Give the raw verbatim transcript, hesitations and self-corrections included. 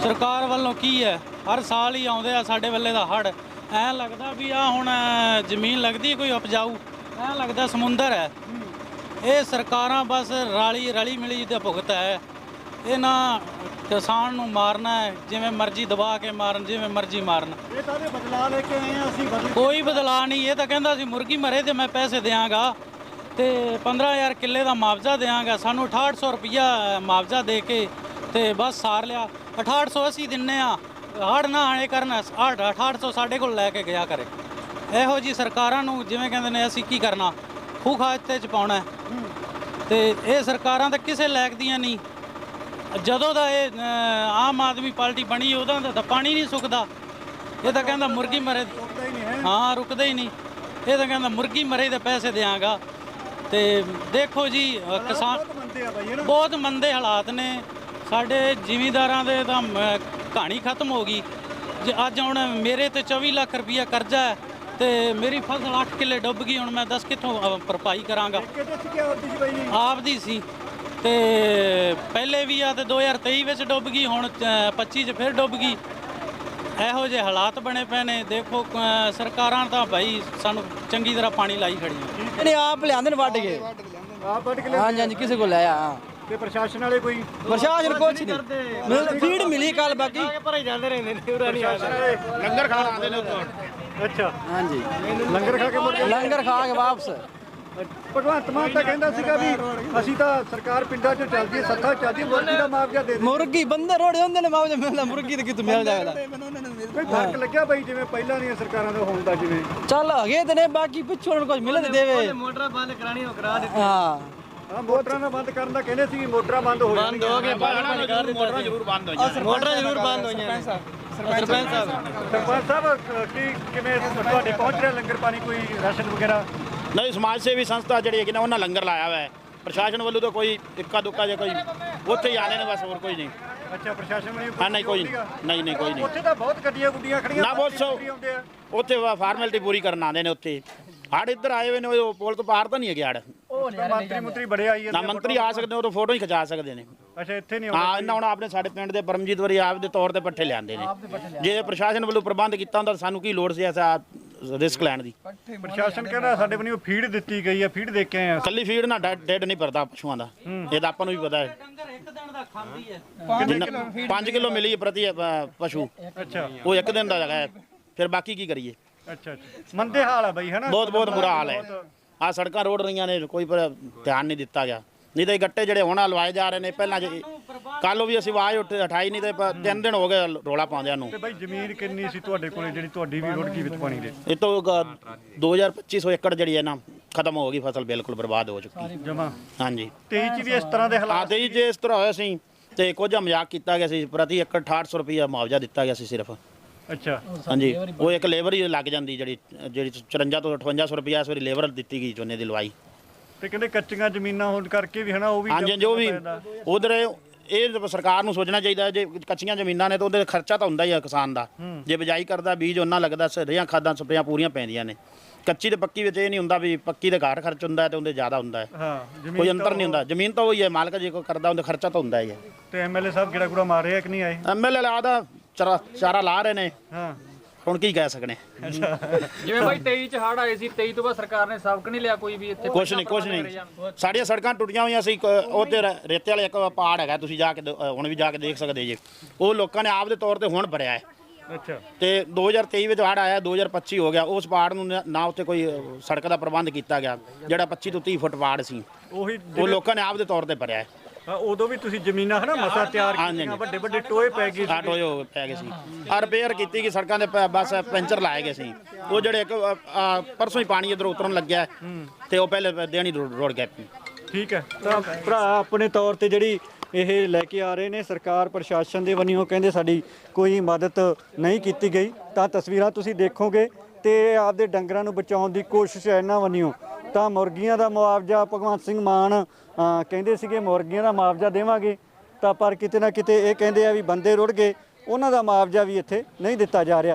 ਸਰਕਾਰ ਵੱਲੋਂ ਕੀ ਹੈ, ਹਰ ਸਾਲ ਹੀ ਆਉਂਦੇ ਆ ਸਾਡੇ ਵੇਲੇ ਦਾ ਹੜ੍ਹ। ਐਂ ਲੱਗਦਾ ਵੀ ਆ ਹੁਣ ਜ਼ਮੀਨ ਲੱਗਦੀ ਕੋਈ ਉਪਜਾਊ, ਐਂ ਲੱਗਦਾ ਸਮੁੰਦਰ ਹੈ। ਇਹ ਸਰਕਾਰਾਂ ਬਸ ਰਲੀ ਰਲੀ ਮਿਲੀ ਦਾ ਭੁਗਤ ਹੈ। ਇਹਨਾਂ ਕਿਸਾਨ ਨੂੰ ਮਾਰਨਾ ਹੈ, ਜਿਵੇਂ ਮਰਜ਼ੀ ਦਬਾ ਕੇ ਮਾਰਨ, ਜਿਵੇਂ ਮਰਜ਼ੀ ਮਾਰਨ। ਇਹ ਤਾਂ ਬਦਲਾਅ ਲੈ ਕੇ ਆਏ ਆ ਅਸੀਂ, ਕੋਈ ਬਦਲਾਅ ਨਹੀਂ। ਇਹ ਤਾਂ ਕਹਿੰਦਾ ਸੀ ਮੁਰਗੀ ਮਰੇ ਤੇ ਮੈਂ ਪੈਸੇ ਦਿਆਂਗਾ ਤੇ ਪੰਦਰਾਂ ਹਜ਼ਾਰ ਕਿੱਲੇ ਦਾ ਮੁਆਵਜ਼ਾ ਦਿਆਂਗਾ। ਸਾਨੂੰ ਅਠਾਹਠ ਸੌ ਰੁਪਈਆ ਮੁਆਵਜ਼ਾ ਦੇ ਕੇ ਤੇ ਬਸ ਸਾਰ ਲਿਆ। ਅਠਾਹਠ ਸੌ ਅਸੀਂ ਦਿੰਨੇ ਆ, ਹੜ੍ਹ ਨਾ ਆਣੇ ਕਰਨ ਅਠਾਹਠ ਸੌ ਸਾਡੇ ਕੋਲ ਲੈ ਕੇ ਗਿਆ ਕਰੇ। ਇਹੋ ਜੀ ਸਰਕਾਰਾਂ ਨੂੰ ਜਿਵੇਂ ਕਹਿੰਦੇ ਨੇ ਅਸੀਂ ਕੀ ਕਰਨਾ, ਖੂਹ ਖਾਤੇ ਚ ਪਾਉਣਾ। ਤੇ ਇਹ ਸਰਕਾਰਾਂ ਤਾਂ ਕਿਸੇ ਲਾਇਕ ਦੀਆਂ ਨਹੀਂ। ਜਦੋਂ ਦਾ ਇਹ ਆਮ ਆਦਮੀ ਪਾਰਟੀ ਬਣੀ ਉਦੋਂ ਦਾ ਤਾਂ ਪਾਣੀ ਨਹੀਂ ਸੁੱਕਦਾ। ਇਹ ਤਾਂ ਕਹਿੰਦਾ ਮੁਰਗੀ ਮਰੇ, ਹਾਂ ਰੁਕਦਾ ਹੀ ਨਹੀਂ। ਇਹ ਤਾਂ ਕਹਿੰਦਾ ਮੁਰਗੀ ਮਰੇ ਦੇ ਪੈਸੇ ਦਿਆਂਗਾ। ਤੇ ਦੇਖੋ ਜੀ ਕਿਸਾਨ ਬਹੁਤ ਮੰਦੇ ਹਾਲਾਤ ਨੇ। ਸਾਡੇ ਜ਼ਿਮੀਂਦਾਰਾਂ ਦੇ ਤਾਂ ਕਹਾਣੀ ਖਤਮ ਹੋ ਗਈ। ਜੇ ਅੱਜ ਹੁਣ ਮੇਰੇ ਤੇ ਚੌਵੀ ਲੱਖ ਰੁਪਈਆ ਕਰਜ਼ਾ ਹੈ ਤੇ ਮੇਰੀ ਫਸਲ ਅੱਠ ਕਿੱਲੇ ਡੁੱਬ ਗਈ। ਹੁਣ ਮੈਂ ਦੱਸ ਕਿੱਥੋਂ ਭਰਪਾਈ ਕਰਾਂਗਾ? ਆਪਦੀ ਸੀ ਤੇ ਪਹਿਲੇ ਵੀ ਆ ਤੇ ਦੋ ਹਜ਼ਾਰ ਤੇਈ ਵਿੱਚ ਡੁੱਬ ਗਈ, ਹੁਣ ਪੱਚੀ 'ਚ ਫਿਰ ਡੁੱਬ ਗਈ। ਇਹੋ ਜਿਹੇ ਹਾਲਾਤ ਬਣੇ ਪਏ ਨੇ। ਦੇਖੋ ਸਰਕਾਰਾਂ ਤਾਂ ਭਾਈ ਸਾਨੂੰ ਚੰਗੀ ਤਰ੍ਹਾਂ ਪਾਣੀ ਲਾਈ ਖੜੀਆਂ। ਇਹਨੇ ਆਪ ਲਿਆਂਦੇ ਨੇ ਵੱਢ ਕੇ, ਆਪ ਵੱਢ ਕੇ ਹਾਂਜੀ ਹਾਂਜੀ, ਕਿਸੇ ਕੋਲ ਲਿਆ। ਹਾਂ ਤੇ ਪ੍ਰਸ਼ਾਸਨ ਵਾਲੇ ਕੋਈ ਪ੍ਰਸ਼ਾਸਨ ਕੁਛ ਨਹੀਂ, ਫੀਡ ਮਿਲੀ ਕੱਲ, ਬਾਕੀ ਭਰੇ ਜਾਂਦੇ ਰਹਿੰਦੇ ਨੇ। ਲੰਗਰ ਖਾਣ ਆਉਂਦੇ ਨੇ ਉੱਥੋਂ। ਅੱਛਾ ਹਾਂਜੀ, ਲੰਗਰ ਖਾ ਕੇ ਮੁੜ ਕੇ ਲੰਗਰ ਖਾ ਕੇ ਵਾਪਸ। ਭਗਵੰਤ ਮਾਨ ਤਾਂ ਕਹਿੰਦਾ ਸੀਗਾ ਵੀ ਅਸੀਂ ਤਾਂ ਸਰਕਾਰ ਪਿੰਡਾਂ 'ਚੋਂ ਚੱਲਦੀ ਹੈ, ਸੱਥਾ ਚੱਲਦੀ, ਮੁਰਗੀ ਦਾ ਮੁਆਵਜ਼ਾ ਦੇ ਦੇ। ਮੁਰਗੀ ਬੰਦੇ ਰੋੜੇ ਹੁੰਦੇ ਨੇ, ਮੁਆਵਜ਼ਾ ਮਿਲਦਾ, ਮੁਰਗੀ ਤੇ ਕਿਤੋਂ ਮਿਲ ਜਾਏਗਾ? ਕੋਈ ਫਰਕ ਲੱਗਿਆ ਬਾਈ ਜਿਵੇਂ ਪਹਿਲਾਂ ਦੀਆਂ ਸਰਕਾਰਾਂ ਦਾ ਹੋਣ ਦਾ? ਜਿਵੇਂ ਚੱਲ ਹੈਗੇ ਤੇ ਨੇ, ਬਾਕੀ ਪਿੱਛੋਂ ਕੁਝ ਮਿਲੇ ਤੇ ਦੇਵੇ। ਮੋਟਰਾਂ ਬੰਦ ਕਰਾਣੀ ਉਹ ਕਰਾ ਦਿੱਤੀ। ਹਾਂ ਹਾਂ, ਮੋਟਰਾਂ ਨੂੰ ਬੰਦ ਕਰਨ ਦਾ ਕਹਿੰਦੇ ਸੀ, ਮੋਟਰਾਂ ਬੰਦ ਹੋ ਬੰਦ ਹੋ ਗਏ, ਮੋਟਰਾਂ ਜ਼ਰੂਰ ਬੰਦ ਹੋਈਆਂ। ਮੋਟਰਾਂ ਜ਼ਰੂਰ ਬੰਦ ਹੋਈਆਂ। ਸਰਪੰਚ ਸਾਹਿਬ ਸਰਪੰਚ ਸਾਹਿਬ ਕੀ ਕਿਵੇਂ ਤੁਹਾਡੇ ਪਹੁੰਚ ਰਿਹਾ ਲੰਗਰ ਪਾਣੀ, ਕੋਈ ਰਾਸ਼ਨ ਵਗੈਰਾ? ਨਹੀਂ, ਸਮਾਜ ਸੇਵੀ ਸੰਸਥਾ ਜਿਹੜੀ ਹੈਗੀ ਨਾ ਉਹਨਾਂ ਲੰਗਰ ਲਾਇਆ ਹੋਇਆ ਹੈ। ਪ੍ਰਸ਼ਾਸਨ ਵੱਲੋਂ ਤਾਂ ਕੋਈ ਇੱਕਾ ਦੁੱਕਾ ਜੇ ਕੋਈ ਉੱਥੇ ਹੀ ਆਨੇ ਨੇ, ਬਸ ਹੋਰ ਕੋਈ ਨਹੀਂ। ਅੱਛਾ, ਪ੍ਰਸ਼ਾਸਨ ਵੱਲੋਂ ਹਾਂ ਨਹੀਂ ਕੋਈ ਨਹੀਂ ਨਹੀਂ ਕੋਈ ਨਹੀਂ। ਉੱਥੇ ਤਾਂ ਬਹੁਤ ਗੱਡੀਆਂ ਗੁੱਡੀਆਂ ਖੜੀਆਂ ਨਾ, ਬਹੁਤ ਸੋ ਉੱਥੇ ਫਾਰਮੈਲਿਟੀ ਪੂਰੀ ਕਰਨ ਆਉਂਦੇ ਨੇ। ਉੱਥੇ ਹੜ ਇੱਧਰ ਆਏ ਹੋਏ ਨੇ, ਉਹ ਪੁਲ ਤੋਂ ਪਾਰ ਤਾਂ ਨਹੀਂ ਹੈਗੇ ਹੜ। ਮੰਤਰੀ ਮੰਤਰੀ ਬੜੇ ਆਈ ਨਾ ਮੰਤਰੀ ਆ ਸਕਦੇ, ਉਹ ਤਾਂ ਫੋਟੋ ਹੀ ਖਿਚਾ ਸਕਦੇ ਨੇ। ਅੱਛਾ, ਇੱਥੇ ਨਹੀਂ ਹਾਂ, ਇਹਨਾਂ ਹੁਣ ਆਪਣੇ ਸਾਡੇ ਪਿੰਡ ਦੇ ਪਰਮਜੀਤ ਵਰੀ ਆਪ ਦੇ ਤੌਰ ਤੇ ਪੱਠੇ ਲਿਆਂਦੇ ਨੇ। ਜੇ ਪ੍ਰਸ਼ਾਸਨ ਵੱਲੋਂ ਪ੍ਰਬੰਧ ਕੀਤਾ ਹੁੰਦਾ ਸਾਨੂੰ ਕੀ ਲੋੜ ਸੀ ਐਸਾ ਰਿਸਕ ਲੈਣ ਦੀ? ਪ੍ਰਸ਼ਾਸਨ ਕਹਿੰਦਾ ਸਾਡੇ ਵੱਲੋਂ ਫੀਡ ਦਿੱਤੀ ਗਈ ਹੈ, ਫੀਡ ਦੇ ਕੇ ਆਏ ਆ। ਕੱਲੀ ਫੀਡ ਨਾਲ ਡੈਡ ਨਹੀਂ ਭਰਦਾ ਪਸ਼ੂਆਂ ਦਾ, ਇਹ ਤਾਂ ਆਪਾਂ ਨੂੰ ਵੀ ਪਤਾ ਹੈ। ਇੱਕ ਦਿਨ ਦਾ ਖਾਂਦੀ ਹੈ ਪੰਜ ਕਿਲੋ ਮਿਲੀ ਪ੍ਰਤੀ ਪਸ਼ੂ। ਅੱਛਾ, ਉਹ ਇੱਕ ਦਿਨ ਦਾ ਹੈਗਾ, ਫਿਰ ਬਾਕੀ ਕੀ ਕਰੀਏ? ਅੱਛਾ ਅੱਛਾ, ਮੰਦੇ ਹਾਲ ਆ ਬਾਈ, ਹੈ ਨਾ? ਬਹੁਤ ਬਹੁਤ ਬੁਰਾ ਹਾਲ ਹੈ। ਆ ਸੜਕਾਂ ਰੋੜ ਰਹੀਆਂ ਨੇ, ਕੋਈ ਪਰ ਧਿਆਨ ਨਹੀਂ ਦਿੱਤਾ ਗਿਆ। ਨਹੀਂ ਤਾਂ ਇਹ ਗੱਟੇ ਜਿਹੜੇ ਹੁਣ ਲਵਾਏ ਜਾ ਰਹੇ ਨੇ, ਪਹਿਲਾਂ ਕੱਲ ਵੀ ਅਸੀਂ ਆਵਾਜ਼ ਉੱਠ ਉਠਾਈ ਨਹੀਂ ਤੇ ਤਿੰਨ ਦਿਨ ਹੋ ਗਏ ਰੋਲਾ ਪਾਉਂਦਿਆਂ ਨੂੰ। ਤੇ ਬਾਈ ਜ਼ਮੀਨ ਕਿੰਨੀ ਸੀ ਤੁਹਾਡੇ ਕੋਲੇ ਜਿਹੜੀ ਤੁਹਾਡੀ ਵੀ ਰੁੜ ਗਈ ਵਿੱਚ ਪਾਣੀ ਦੇ? ਇਹ ਤੋਂ ਦੋ ਹਜ਼ਾਰ ਪੱਚੀ ਸੌ ਏਕੜ ਜਿਹੜੀ ਹੈ ਨਾ ਖਤਮ ਹੋ ਗਈ, ਫਸਲ ਬਿਲਕੁਲ ਬਰਬਾਦ ਹੋ ਚੁੱਕੀ ਜਮਾ। ਹਾਂਜੀ, ਤੇਈ ਚ ਵੀ ਇਸ ਤਰ੍ਹਾਂ ਦੇ ਹਾਲਾਤ? ਹਾਂ, ਤੇਈ ਜੇ ਇਸ ਤਰ੍ਹਾਂ ਹੋਇਆ ਸੀ ਤੇ ਕੁਝ ਮਜ਼ਾਕ ਕੀਤਾ ਗਿਆ ਸੀ। ਪ੍ਰਤੀ ਏਕੜ ਅਠਾਹਠ ਸੌ ਰੁਪਈਆ ਮੁਆਵਜ਼ਾ ਦਿੱਤਾ ਗਿਆ ਸੀ ਸਿਰਫ। ਅੱਛਾ, ਹਾਂਜੀ, ਉਹ ਇੱਕ ਲੇਬਰ ਹੀ ਲੱਗ ਜਾਂਦੀ ਜਿਹੜੀ ਜਿਹੜੀ ਚੁਰੰਜਾ ਤੋਂ ਅਠਵੰਜਾ ਸੌ ਰੁਪਈਆ ਇਸ ਵਾਰੀ ਲੇਬਰ ਦਿੱਤੀ ਗਈ ਝੋਨੇ ਦੀ ਲਵਾਈ। ਤੇ ਕਹਿੰਦੇ ਕੱਚੀਆਂ ਜ਼ਮੀਨਾਂ ਹੋਣ ਕਰਕੇ ਵੀ, ਹੈ ਨਾ, ਉਹ ਵੀ ਹਾਂਜੀ, ਜੋ ਵੀ ਉਧਰ ਇਹ ਸਰਕਾਰ ਨੂੰ ਸੋਚਣਾ ਚਾਹੀਦਾ। ਜੇ ਕੱਚੀਆਂ ਜ਼ਮੀਨਾਂ ਨੇ ਤਾਂ ਉਹਦੇ ਖਰਚਾ ਤਾਂ ਹੁੰਦਾ ਹੀ ਆ ਕਿਸਾਨ ਦਾ। ਜੇ ਬਿਜਾਈ ਕਰਦਾ, ਬੀਜ ਉਹਨਾਂ ਲੱਗਦਾ, ਰੇਹਾਂ ਖਾਦਾਂ ਸਪਰੇਆਂ ਪੂਰੀਆਂ ਪੈਂਦੀਆਂ ਨੇ। ਕੱਚੀ ਤੇ ਪੱਕੀ ਵਿੱਚ ਇਹ ਨਹੀਂ ਹੁੰਦਾ ਵੀ ਪੱਕੀ ਦੇ ਘਾਟ ਖਰਚ ਹੁੰਦਾ ਤੇ ਉਹਦੇ ਜ਼ਿਆਦਾ ਹੁੰਦਾ ਹੈ। ਹਾਂ, ਕੋਈ ਅੰਤਰ ਨਹੀਂ ਹੁੰਦਾ। ਜ਼ਮੀਨ ਤਾਂ ਉਹੀ ਹੈ, ਮਾਲਕ ਜੇ ਕੋਈ ਕਰਦਾ ਉਹਦਾ ਖਰਚਾ ਤਾਂ ਹੁੰਦਾ ਹੀ ਹੈ। ਤੇ ਐਮਐਲਏ ਸਾਹਿਬ ਕਿਹੜਾ ਕੁੜਾ ਮਾਰ ਰਿਹਾ ਕਿ ਨਹੀਂ ਆਏ? ਐਮਐਲਏ ਆਦਾ ਚਾਰਾ ਚਾਰਾ ਲਾ ਰਹੇ ਨੇ, ਹਾਂ, ਹੁਣ ਕੀ ਕਹਿ ਸਕਣੇ। ਜਿਵੇਂ ਬਾਈ ਤੇਈ ਚ ਹੜ ਆਏ ਸੀ, ਤੇਈ ਤੋਂ ਬਾਅਦ ਸਰਕਾਰ ਨੇ ਸਬਕ ਨਹੀਂ ਲਿਆ ਕੋਈ ਵੀ? ਇੱਥੇ ਕੁਛ ਨਹੀਂ ਕੁਛ ਨਹੀਂ। ਸਾਡੀਆਂ ਸੜਕਾਂ ਟੁੱਟੀਆਂ ਹੋਈਆਂ ਸੀ। ਉਹ ਤੇ ਰੇਤੇ ਵਾਲੇ ਇੱਕ ਪਹਾੜ ਹੈਗਾ, ਤੁਸੀਂ ਜਾ ਕੇ ਹੁਣ ਵੀ ਜਾ ਕੇ ਦੇਖ ਸਕਦੇ ਜੇ। ਉਹ ਲੋਕਾਂ ਨੇ ਆਪ ਦੇ ਤੌਰ ਤੇ ਹੁਣ ਭਰਿਆ ਹੈ। ਅੱਛਾ, ਤੇ ਦੋ ਹਜ਼ਾਰ ਤੇਈ ਵਿੱਚ ਹੜ ਆਇਆ, ਦੋ ਹਜ਼ਾਰ ਪੱਚੀ ਹੋ ਗਿਆ। ਉਸ ਪਹਾੜ ਨੂੰ ਨਾ ਉੱਤੇ ਕੋਈ ਸੜਕ ਦਾ ਪ੍ਰਬੰਧ ਕੀਤਾ ਗਿਆ, ਜਿਹੜਾ ਪੱਚੀ ਤੋਂ ਤੀਹ ਫੁੱਟ ਪਹਾੜ ਸੀ, ਉਹੀ ਉਹ ਲੋਕਾਂ ਨੇ ਆਪ ਦੇ ਤੌਰ ਤੇ ਭਰਿਆ ਹੈ। ਉਦੋਂ ਵੀ ਤੁਸੀਂ ਜ਼ਮੀਨਾਂ, ਹੈ ਨਾ, ਮਸਾ ਤਿਆਰ ਕੀਤੀਆਂ, ਵੱਡੇ ਵੱਡੇ ਟੋਏ ਪੈ ਗਏ ਸੀ। ਟੋਏ ਹੋ ਪੈ ਗਏ ਸੀ, ਆ ਰਿਪੇਅਰ ਕੀਤੀ ਗਈ ਸੜਕਾਂ ਦੇ, ਬਸ ਪੈਂਚਰ ਲਾਏ ਗਏ ਸੀ। ਉਹ ਜਿਹੜੇ ਇੱਕ ਪਰਸੋਂ ਹੀ ਪਾਣੀ ਇੱਧਰ ਉਤਰਨ ਲੱਗਿਆ ਤੇ ਉਹ ਪਹਿਲੇ ਦਿਨ ਹੀ ਰੁੜ ਗਏ। ਠੀਕ ਹੈ, ਤਾਂ ਭਰਾ ਆਪਣੇ ਤੌਰ ਤੇ ਜਿਹੜੀ ਇਹ ਲੈ ਕੇ ਆ ਰਹੇ ਨੇ, ਸਰਕਾਰ ਪ੍ਰਸ਼ਾਸਨ ਦੇ ਵੱਲੋਂ ਕਹਿੰਦੇ ਸਾਡੀ ਕੋਈ ਮਦਦ ਨਹੀਂ ਕੀਤੀ ਗਈ। ਤਾਂ ਤਸਵੀਰਾਂ ਤੁਸੀਂ ਦੇਖੋਗੇ ਤੇ ਆਪਦੇ ਡੰਗਰਾਂ ਨੂੰ ਬਚਾਉਣ ਦੀ ਕੋਸ਼ਿਸ਼ ਹੈ ਇਹਨਾਂ ਵੱਲੋਂ। ਤਾਂ ਮੁਰਗੀਆਂ ਦਾ ਮੁਆਵਜ਼ਾ ਭਗਵੰਤ ਸਿੰਘ ਮਾਨ ਕਹਿੰਦੇ ਸੀਗੇ ਮੁਰਗੀਆਂ ਦਾ ਮੁਆਵਜ਼ਾ ਦੇਵਾਂਗੇ, ਤਾਂ ਪਰ ਕਿਤੇ ਨਾ ਕਿਤੇ ਇਹ ਕਹਿੰਦੇ ਆ ਵੀ ਬੰਦੇ ਰੁੜ ਗਏ, ਉਹਨਾਂ ਦਾ ਮੁਆਵਜ਼ਾ ਵੀ ਇੱਥੇ ਨਹੀਂ ਦਿੱਤਾ ਜਾ ਰਿਹਾ।